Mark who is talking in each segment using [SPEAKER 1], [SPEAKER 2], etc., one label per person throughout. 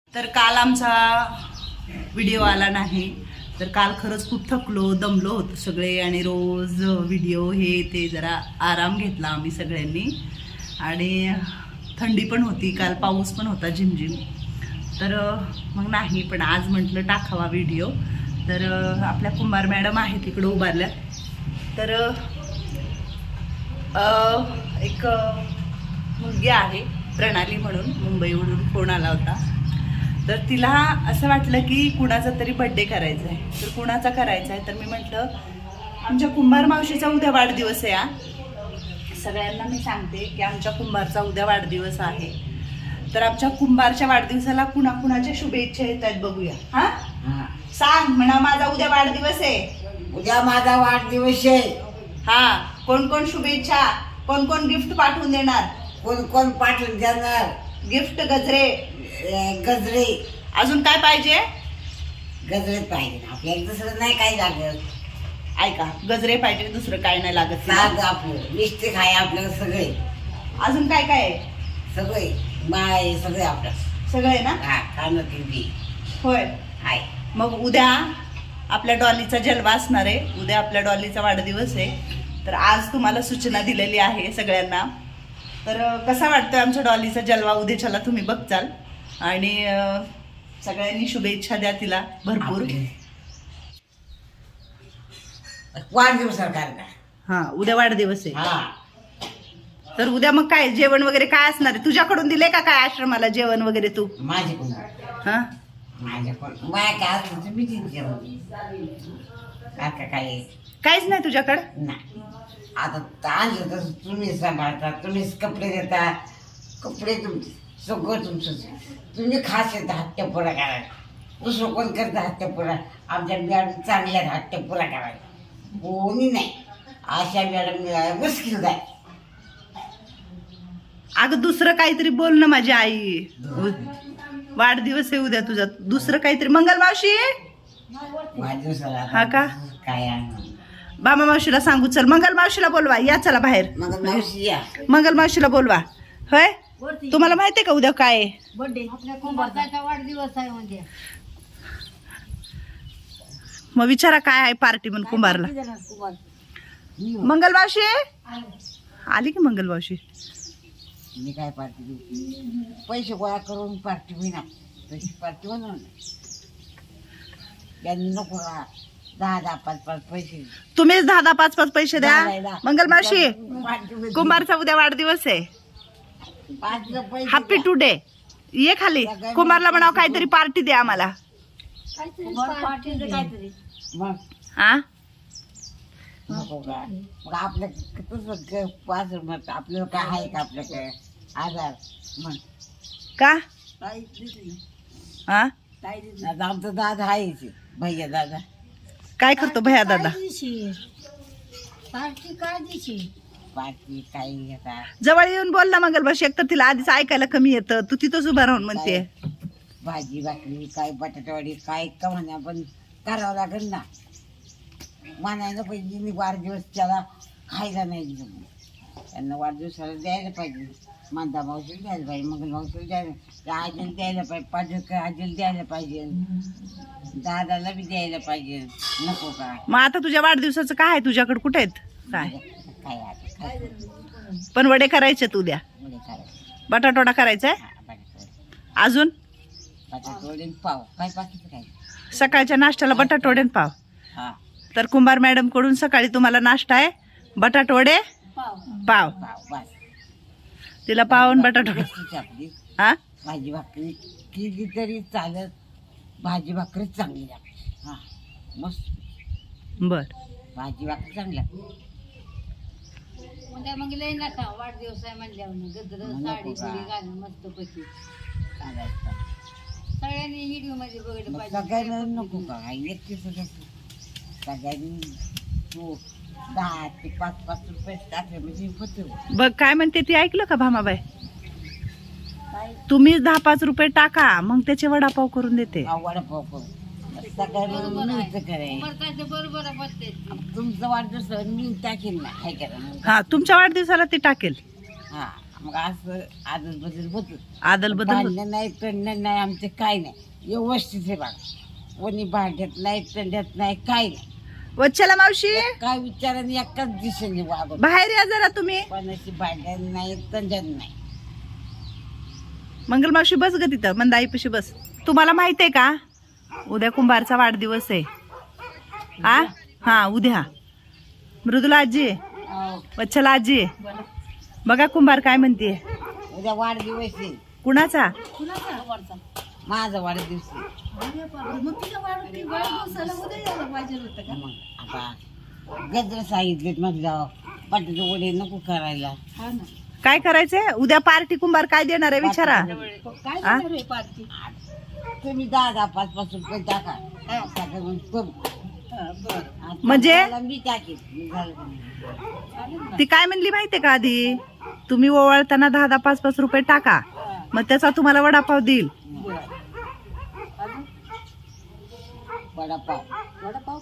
[SPEAKER 1] तर काल आमचा व्हिडिओ आला नाही, तर काल खरंच खूप थकलो दमलो होतो सगळे आणि रोज व्हिडिओ हे ते जरा आराम घेतला आम्ही सगळ्यांनी. आणि थंडी पण होती, काल पाऊस पण होता झिमझिम. तर मग नाही, पण आज म्हटलं टाकावा व्हिडिओ. तर आपल्या कुंभार मॅडम आहेत तिकडं उभारल्या. तर एक मुलगी आहे प्रणाली म्हणून, मुंबईवरून फोन आला होता. तर तिला असं वाटलं की कुणाचा तरी बड्डे करायचा आहे. तर कुणाचा करायचा आहे, तर मी म्हटलं आमच्या कुंभार मावशीचा उद्या वाढदिवस आहे. सगळ्यांना मी सांगते की आमच्या कुंभारचा उद्या वाढदिवस आहे. तर आमच्या कुंभारच्या वाढदिवसाला कुणाकुणाच्या शुभेच्छा येत आहेत बघूया. हा सांग म्हणा, माझा उद्या वाढदिवस आहे.
[SPEAKER 2] उद्या माझा वाढदिवस आहे.
[SPEAKER 1] हा, कोण कोण शुभेच्छा, कोण कोण गिफ्ट पाठवून देणार,
[SPEAKER 2] कोण कोण पाठवून देणार
[SPEAKER 1] गिफ्ट गजरे.
[SPEAKER 2] गजरे.
[SPEAKER 1] अजून काय पाहिजे?
[SPEAKER 2] गजरे पाहिजे आपल्याला, दुसरं नाही काय लागत.
[SPEAKER 1] ऐका, गजरे पाहिजे, दुसरं काय नाही लागत.
[SPEAKER 2] साग आपलं मिस्टेक आहे आपल्याला सगळे.
[SPEAKER 1] अजून काय काय आहे?
[SPEAKER 2] सगळे बाय सगळे आपलं
[SPEAKER 1] सगळे ना?
[SPEAKER 2] हा खाणं पिंडी
[SPEAKER 1] होय.
[SPEAKER 2] आहे.
[SPEAKER 1] मग उद्या आपल्या डॉलीचा जलवा असणार आहे. उद्या आपल्या डॉलीचा वाढदिवस आहे. तर आज तुम्हाला सूचना दिलेली आहे सगळ्यांना. तर कसा वाटतोय आमच्या डॉलीचा जलवा उद्याच्याला तुम्ही बघचाल. आणि सगळ्यांनी शुभेच्छा द्या तिला भरपूर.
[SPEAKER 2] वाढदिवसाला कार्यक्रम.
[SPEAKER 1] हा, उद्या वाढदिवस आहे.
[SPEAKER 2] हा,
[SPEAKER 1] तर उद्या मग काय जेवण वगैरे काय असणार आहे? तुझ्याकडून दिले का काय आश्रमाला जेवण वगैरे तू?
[SPEAKER 2] माझे कोण
[SPEAKER 1] हा,
[SPEAKER 2] माझ्या कोण माय काय असलं तर मी जेवण का काय
[SPEAKER 1] काहीच नाही तुझ्याकडं?
[SPEAKER 2] नाही. आता आणलं तसं तुम्ही सांभाळता, तुम्हीच कपडे देता. कपडे तुमचे सगळं तुमचंच. तुम्ही खास येता हट्टपुरा करायला. दुसरं कोण करता हट्टपुरा? आमच्या मॅडम चांगल्या हट्टपुरा करायला कोणी नाही. अशा मॅडम मिळाल्या मुश्किल आहे.
[SPEAKER 1] अगं दुसरं काहीतरी बोल ना माझी आई. वाढदिवस आहे उद्या तुझा, दुसरं काहीतरी. मंगल मावशी,
[SPEAKER 2] वाढदिवसाला
[SPEAKER 1] हा का?
[SPEAKER 2] काय आणू?
[SPEAKER 1] बाबा मावशीला सांगू. चल मंगल मावशीला बोलवा, या चला बाहेर.
[SPEAKER 2] मग मावशी या.
[SPEAKER 1] मंगल मावशीला बोलवा. होय, तुम्हाला माहितीये का उद्या काय आहे?
[SPEAKER 3] बर्थडे आपल्या कुंभारचा वाढदिवस आहे म्हणजे.
[SPEAKER 1] मग विचारा काय आहे पार्टी म्हणून कुंभारला.
[SPEAKER 3] कुंभार
[SPEAKER 1] मंगल मावशी आली की? मंगल मावशी
[SPEAKER 2] मी काय पार्टी देऊ? पैसे गोळा करून पार्टी होईना. तशी पार्टी होणार नाही. त्यांनी नको का 10-10, 5-5 पैसे.
[SPEAKER 1] तुम्हीच 10-10, 5-5 पैसे द्या.
[SPEAKER 2] घालायला.
[SPEAKER 1] मंगल मावशी,
[SPEAKER 2] पार्टी
[SPEAKER 1] कुंभारचा उद्या वाढदिवस आहे.
[SPEAKER 2] 5 पैसे
[SPEAKER 1] हॅपी
[SPEAKER 2] द्या.
[SPEAKER 1] टुडे. ये खाली. कुंभारला म्हणावं काहीतरी पार्टी द्या आम्हाला.
[SPEAKER 3] कुंभार पार्टीचं काहीतरी.
[SPEAKER 2] मग
[SPEAKER 1] हा,
[SPEAKER 2] नको का? मग आपल्या तसं 5 मग आपल्याला काय आहे का आपल्याकडे आधार? मग
[SPEAKER 1] का?
[SPEAKER 2] काही दिली.
[SPEAKER 1] हा,
[SPEAKER 2] आता आमचा दादा आहे भैया दादा.
[SPEAKER 1] काय करतो भैया दादा?
[SPEAKER 3] पार्टी काय दिशी?
[SPEAKER 2] पार्टी काही घेतात.
[SPEAKER 1] जवळ येऊन बोल ना मंगल मावशी. एकतर तिला आधीच ऐकायला कमी येतं, तू तिथंच उभा राहून म्हणते.
[SPEAKER 2] भाजी भाकरी काय बटाटावाडी काय का म्हणा, पण करावं लागेल ना. म्हणायला पाहिजे वाढदिवस त्याला खायला नाही दिलं. त्यांना वाढदिवसाला द्यायला पाहिजे. मांदा मावशीला द्यायला पाहिजे, मंगल मावशीला द्यायला, त्या आजीला द्यायला पाहिजे, पाजक आजीला द्यायला पाहिजे, दादाला बी द्यायला पाहिजे. नको का?
[SPEAKER 1] मग आता तुझ्या वाढदिवसाचं काय आहे तुझ्याकडे? कुठे आहेत काय?
[SPEAKER 2] काय आता काय
[SPEAKER 1] पण वडे करायचे उद्या,
[SPEAKER 2] मुले करायचं.
[SPEAKER 1] बटाटोडा करायचाय. अजून
[SPEAKER 2] बटाटवडे पाव काय बाकीचं काय?
[SPEAKER 1] सकाळच्या नाश्त्याला बटाटोडे आणि पाव.
[SPEAKER 2] हा,
[SPEAKER 1] तर कुंभार मॅडम कडून सकाळी तुम्हाला नाश्ता आहे बटाटवडे
[SPEAKER 3] पाव.
[SPEAKER 1] पाव.
[SPEAKER 2] पाव बस.
[SPEAKER 1] तिला पाव आणि बटाटोडे.
[SPEAKER 2] मस्तीची आपली
[SPEAKER 1] हा,
[SPEAKER 2] भाजी भाकरी केली तरी चालत. भाजी भाकरी चांगली लागते. हा, मस्त
[SPEAKER 1] बर.
[SPEAKER 2] भाजी भाकरी चांगली लागते.
[SPEAKER 3] म्हणजे मग लय नका वाढदिवस आहे म्हणल्यावर गजर
[SPEAKER 2] नको
[SPEAKER 3] साडी
[SPEAKER 2] का?
[SPEAKER 3] बिडी घालून मस्त पैकी
[SPEAKER 2] चालायचं.
[SPEAKER 3] सगळ्यांनी व्हिडिओ मध्ये बघितलं
[SPEAKER 2] मग
[SPEAKER 3] पाहिजे.
[SPEAKER 2] सगळ्यांना नको का? एकटी सगळ्यांनी तू 10 ते 5-5 रुपये टाकले म्हणजे होतं.
[SPEAKER 1] बघ काय म्हणते ती, ऐकलं का भामाबाई?
[SPEAKER 3] काय
[SPEAKER 1] तुम्ही 10-5 रुपये टाका, मग त्याचे वडापाव करून देते.
[SPEAKER 2] वडापाव करू. सगळ्यांना
[SPEAKER 3] बरोबर
[SPEAKER 2] मिळतं
[SPEAKER 3] आहे.
[SPEAKER 2] करायचं.
[SPEAKER 3] कुंभारचं बरोबर आहे पद्धत.
[SPEAKER 2] तुमचं वाढदिवस मी टाकेन ना, हाय करा.
[SPEAKER 1] हा, तुमच्या वाढदिवसाला ती टाकेल.
[SPEAKER 2] हा, मग असं आदल बदल होत.
[SPEAKER 1] आदल बदल होत.
[SPEAKER 2] भांडण नाही तंडण नाही आमचं काय नाही, व्यवस्थित आहे बघा. कोणी भांड्यात नाही तंड्यात नाही काय नाही.
[SPEAKER 1] वच्छला मावशी
[SPEAKER 2] काय विचाराने एकाच दिशेने वागत.
[SPEAKER 1] बाहेर या जरा तुम्ही.
[SPEAKER 2] कोणाची भांड्यात नाही तंड्यात नाही.
[SPEAKER 1] मंगल मावशी बस ग तिथं, मंदाईपाशी बस. तुम्हाला माहित आहे का उद्या कुंभारचा वाढदिवस आहे? हा उद्या. मृदुला आजी, वच्छला आजी, बघा कुंभार काय म्हणते.
[SPEAKER 2] उद्या वाढदिवस आहे.
[SPEAKER 1] कुणाचा?
[SPEAKER 2] माझा वाढदिवस आहे. मग आता गजर सांगितलेत म्हटलं बटाटे वडे नको करायला.
[SPEAKER 1] काय करायचंय उद्या पार्टी? कुंभार काय देणार आहे विचारा. आ?
[SPEAKER 2] तुम्ही 10-5 रुपये टाका. सगळं मग करू.
[SPEAKER 1] म्हणजे?
[SPEAKER 2] आता मी टाकेन. मी झालं का नाही?
[SPEAKER 1] ती काय म्हणली माहितीये का आधी? तुम्ही ओवाळताना 10-5 रुपये टाका, मग त्याचा तुम्हाला वडापाव देईल.
[SPEAKER 2] वडापाव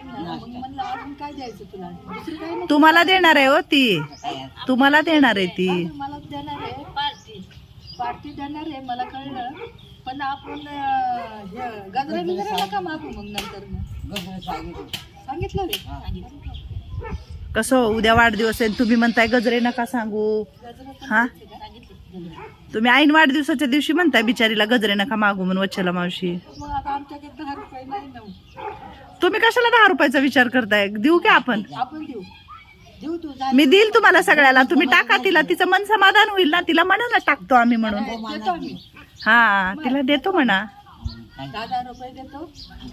[SPEAKER 1] तुम्हाला देणार आहे हो ती, तुम्हाला देणार आहे ती.
[SPEAKER 3] मला देणार आहे पार्टी देणार आहे, मला कळलं. पण आपण गजरा बिजरा नका मागू मग नंतर.
[SPEAKER 2] गजर सांगितलं.
[SPEAKER 3] सांगितलं रे.
[SPEAKER 1] कसं उद्या वाढदिवस आहे तुम्ही म्हणताय गजरे नका सांगू. हा, तुम्ही ऐन वाढदिवसाच्या दिवशी म्हणताय बिचारीला गजरे नका मागू म्हणून वच्छला मावशी.
[SPEAKER 3] मग आता आमच्याकडे 10 रुपये नाही ना.
[SPEAKER 1] तुम्ही कशाला 10 रुपयाचा विचार करताय? देऊ की आपण?
[SPEAKER 3] आपण देऊ देऊ तू जा.
[SPEAKER 1] मी देईल तुम्हाला सगळ्याला. तुम्ही टाका तिला, तिचं मन समाधान होईल ना. तिला म्हणा ना टाकतो आम्ही म्हणून.
[SPEAKER 3] देतो आम्ही.
[SPEAKER 1] हा तिला देतो म्हणा.
[SPEAKER 3] 10 रुपये देतो.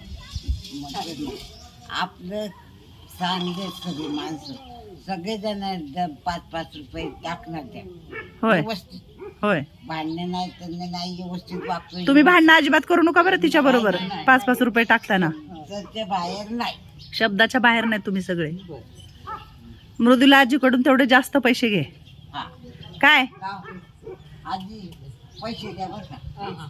[SPEAKER 2] आपलं चांगले सगळे माणसं सगळेजण 5-5 रुपये टाकणार त्या.
[SPEAKER 1] होय
[SPEAKER 2] व्यवस्थित
[SPEAKER 1] होय.
[SPEAKER 2] भांडणं नाही त्यांना नाही व्यवस्थित वागतोय.
[SPEAKER 1] तुम्ही भांडणं अजिबात करू नका बरं तिच्या बरोबर. 5-5 रुपये टाकताना
[SPEAKER 2] त्याच्या बाहेर नाही.
[SPEAKER 1] शब्दाच्या बाहेर नाही तुम्ही सगळे. मृदुला आजीकडून तेवढे जास्त पैसे घे.
[SPEAKER 2] हा
[SPEAKER 1] काय
[SPEAKER 2] का? आधी पैसे द्या बरं का.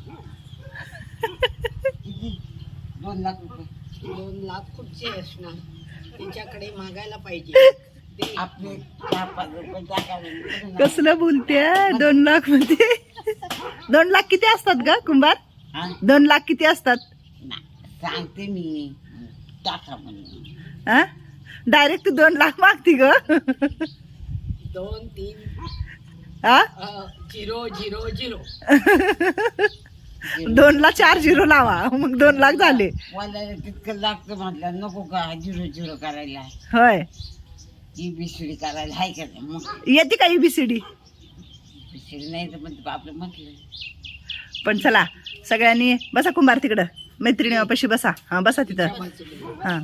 [SPEAKER 2] किती? 2 लाख रुपये.
[SPEAKER 3] 2 लाख कुठचे असणार? त्यांच्याकडे मागायला पाहिजे.
[SPEAKER 2] आपले 4-5 रुपये टाकायला.
[SPEAKER 1] कसलं बोलते 2 लाख मध्ये? 2 लाख किती असतात ग कुंभार?
[SPEAKER 2] हा?
[SPEAKER 1] 2 लाख किती असतात?
[SPEAKER 2] नाही, सांगते मी टाका म्हणून.
[SPEAKER 1] हा, डायरेक्ट 2 लाख मागती ग.
[SPEAKER 3] 2-3
[SPEAKER 1] हा,
[SPEAKER 3] 0-0-0.
[SPEAKER 1] 2 ला 4 झिरो लावा मग 2 लाख झाले.
[SPEAKER 2] वाल्याला तितकं लागतं म्हटलं नको का 0-0 करायला.
[SPEAKER 1] होय,
[SPEAKER 2] ही बिसडी करायला हाय का नाही? मग
[SPEAKER 1] येते का EBCD?
[SPEAKER 2] बिसडी नाही तर मग आपलं म्हटलं.
[SPEAKER 1] पण चला सगळ्यांनी बसा कुंभार तिकडं मैत्रिणीपाशी बसा. हा बसा तिथं. हा,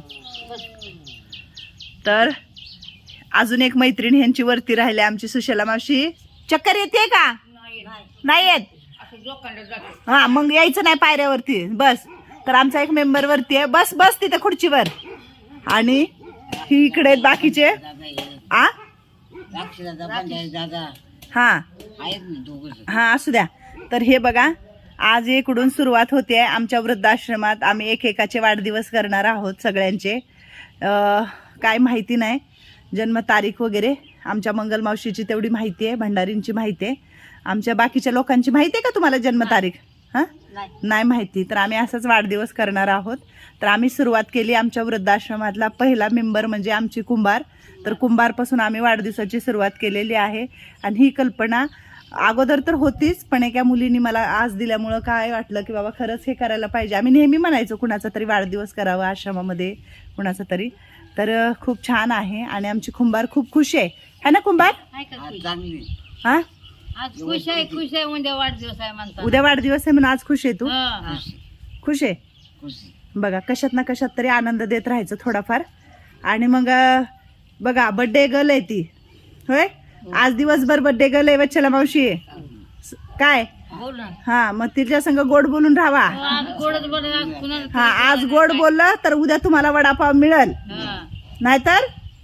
[SPEAKER 1] तर अजून एक मैत्रीण ह्यांची वरती राहिली आमची सुशला मावशी. चक्कर येते का? नाही येत. हा मग यायचं नाही पायऱ्यावरती बस. तर आमचा एक मेंबर वरती आहे. बस बस तिथे खुर्चीवर. आणि ही इकडे आहेत बाकीचे. आ
[SPEAKER 2] राक्षी दादा पंजाबी दादा
[SPEAKER 1] हा
[SPEAKER 2] आहेत ना दोघं.
[SPEAKER 1] हा असू द्या. तर हे बघा आज इकडून सुरुवात होते आमच्या वृद्धाश्रमात. आम्ही एकेकाचे वाढदिवस करणार आहोत सगळ्यांचे. काय माहिती नाही जन्मतारीख वगैरे. आमच्या मंगल मावशीची तेवढी माहिती आहे, भंडारींची माहिती आहे. आमच्या बाकीच्या लोकांची माहिती आहे का तुम्हाला जन्मतारीख? हां नाही माहिती. तर आम्ही असाच वाढदिवस करणार आहोत. तर आम्ही सुरुवात केली आमच्या वृद्धाश्रमातला पहिला मेंबर म्हणजे आमची कुंभार. तर कुंभारपासून आम्ही वाढदिवसाची सुरुवात केलेली आहे. आणि ही कल्पना अगोदर तर होतीच, पण एका मुलीने मला आज दिल्यामुळं काय वाटलं की बाबा खरंच हे करायला पाहिजे. आम्ही नेहमी म्हणायचो कुणाचा तरी वाढदिवस करावा आश्रमामध्ये कुणाचा तरी. तर खूप छान आहे आणि आमची कुंभार खूप खुश आहे ना कुंभार?
[SPEAKER 2] चांगली.
[SPEAKER 1] हां
[SPEAKER 3] आज खुश आहे उद्या वाढदिवस आहे म्हणतात.
[SPEAKER 1] उद्या वाढदिवस आहे म्हणून आज खुश आहे तू? खुश आहे.
[SPEAKER 2] खुशी.
[SPEAKER 1] बघा कशात ना कशात तरी आनंद देत राहायचं थोडाफार. आणि मग बघा बड्डे गर्ल आहे ती. होय आज दिवसभर बड्डे गर्ल आहे वच्छला मावशी. काय हा मग तिच्या संग गोड बोलून राहावा. हा आज गोड बोललं तर उद्या तुम्हाला वडापाव मिळेल. नाहीतर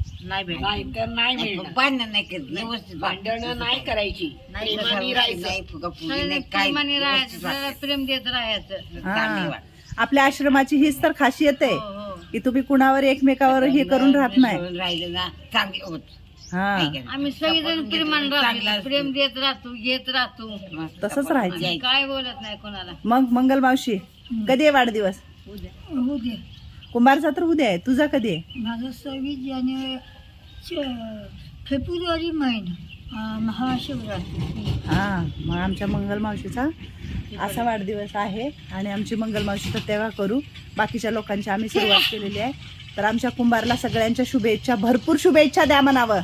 [SPEAKER 2] भांडण नाही करत व्यवस्थित.
[SPEAKER 3] भांडणं नाही करायची.
[SPEAKER 2] नाही फुगाफुगी नाही काय
[SPEAKER 3] प्रेम देत राहायचं.
[SPEAKER 2] चांगली वाट.
[SPEAKER 1] आपल्या आश्रमाची हीच तर खासियत आहे की तुम्ही कुणावर एकमेकावर हे करून राहत नाही.
[SPEAKER 2] राहिलं ना चांगले होत.
[SPEAKER 1] हा
[SPEAKER 3] आम्ही सगळेजण प्रेमान राहतो, प्रेम देत राहतो, घेत राहतो,
[SPEAKER 1] तसंच राहायचं.
[SPEAKER 3] काय बोलत नाही कोणाला.
[SPEAKER 1] मग मंगल मावशी कधी आहे वाढदिवस?
[SPEAKER 3] उद्या
[SPEAKER 1] कुंभारचा तर उद्या आहे, तुझा कधी आहे?
[SPEAKER 3] माझं 26 जानेवारी फेब्रुवारी महिना महाशिवरात्री.
[SPEAKER 1] हा मग आमच्या मंगल मावशीचा असा वाढदिवस आहे आणि आमची मंगल मावशी तर तेव्हा करू. बाकीच्या लोकांची आम्ही सुरुवात केलेली आहे. तर आमच्या कुंभारला सगळ्यांच्या शुभेच्छा, भरपूर शुभेच्छा द्या म्हणावं.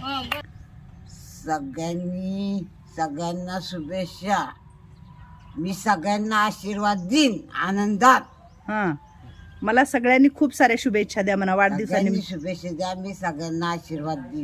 [SPEAKER 2] सगळ्यांना शुभेच्छा. मी सगळ्यांना आशीर्वाद देईन आनंदात.
[SPEAKER 1] हा मला सगळ्यांनी खूप साऱ्या शुभेच्छा द्या म्हणा
[SPEAKER 2] सगळ्यांनी
[SPEAKER 1] वाढदिवसानिमित्त.
[SPEAKER 2] शुभेच्छा द्या. मी सगळ्यांना आशीर्वाद देईन.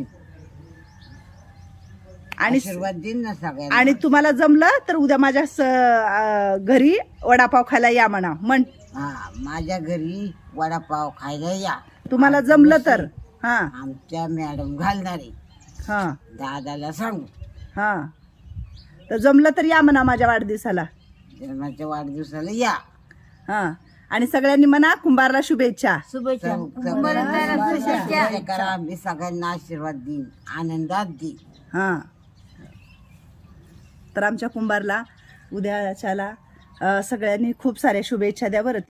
[SPEAKER 1] आणि
[SPEAKER 2] आशीर्वाद देईन ना सगळ्यांना.
[SPEAKER 1] आणि तुम्हाला जमलं तर उद्या माझ्या घरी वडापाव खायला या म्हणा. म्हण
[SPEAKER 2] हा माझ्या घरी वडापाव खायला या.
[SPEAKER 1] तुम्हाला जमलं तर. हा
[SPEAKER 2] आमच्या मॅडम घालणारे
[SPEAKER 1] हा
[SPEAKER 2] दादाला सांगू.
[SPEAKER 1] हा तर जमलं तर या म्हणा माझ्या वाढदिवसाला.
[SPEAKER 2] जन्माच्या वाढदिवसाला या.
[SPEAKER 1] हा आणि सगळ्यांनी म्हणा कुंभारला शुभेच्छा.
[SPEAKER 2] शुभेच्छा करा. मी सगळ्यांना आशीर्वाद देईन, आनंदात देईन.
[SPEAKER 1] हा तर आमच्या कुंभारला उद्याच्याला सगळ्यांनी खूप साऱ्या शुभेच्छा द्या बरं.